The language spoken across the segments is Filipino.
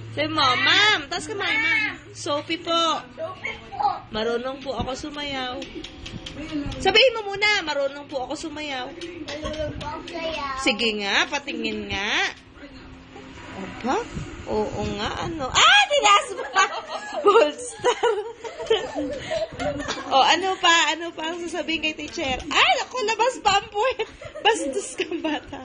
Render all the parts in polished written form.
Sabi mo, ma'am, taas kamay, ma'am. Sophie po. Sophie po. Marunong po ako sumayaw. Sabihin mo muna, marunong po ako sumayaw. Marunong po ako sayaw. Sige nga, patingin nga. Opa? Oo nga, ano? Ah, tinas mo pa! Gold star. O, ano pa? Ano pa ang sasabihin kay teacher? Ay, naku, labas pa ang puwet. Bastos kang bata.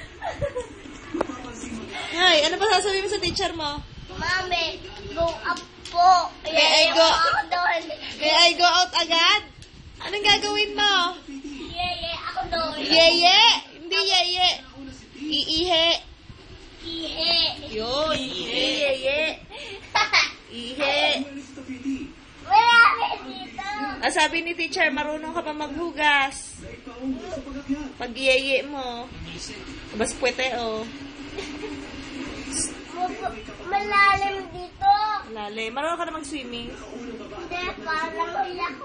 Ay, ano pa sasabihin mo sa teacher mo? Mami, go up po. May I go? Ako doon. May I go out agad? Anong gagawin mo? Yeye, ako doon. Yeye! Hindi yeye. Iihe. Ihe. Yun, iihe, yeye. Ihe. Marami dito. Ah, sabi ni teacher, marunong ka pa maghugas. Pag yeye mo. Bas puwete, oh. Malalim dito. Lale. Marunong ka na mag-swimming? Hindi, parang ako.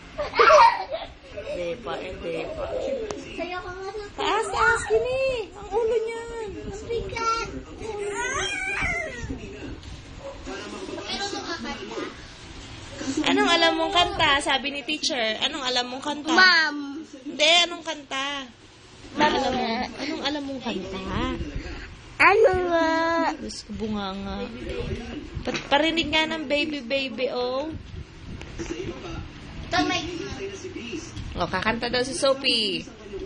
Depa, depa. Sayo ka nga sa Taas, taas, kini. Ang ulo niyan. bigat. Pero makakanta. Anong alam mong kanta? Sabi ni teacher. Anong alam mong kanta? Ma'am. Hindi, anong kanta? Anong alam mong kanta? Ano nga? Diyos ko, bunganga. Parinig nga ng baby, baby, oh. Ito may... O, kakanta daw si Sophie.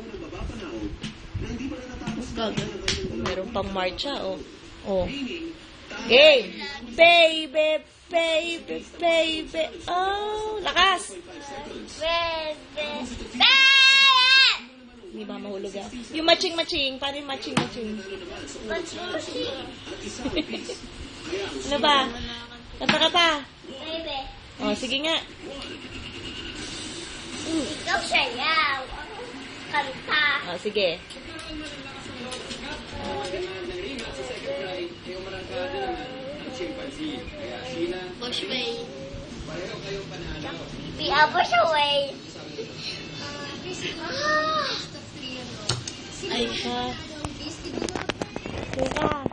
Meron pang marcha, oh. Oh. Game! Baby, baby, baby, oh. Lakas! Bebe. Hindi ba mahulog ah? Yung matching-matching. Paano yung matching-matching? Matsushi. Ano ba? Kanta ka pa? Bebe. O, sige nga. Ikaw sayaw. Kanta. O, sige. Push way. Piabos away. Ay, ka. Teka.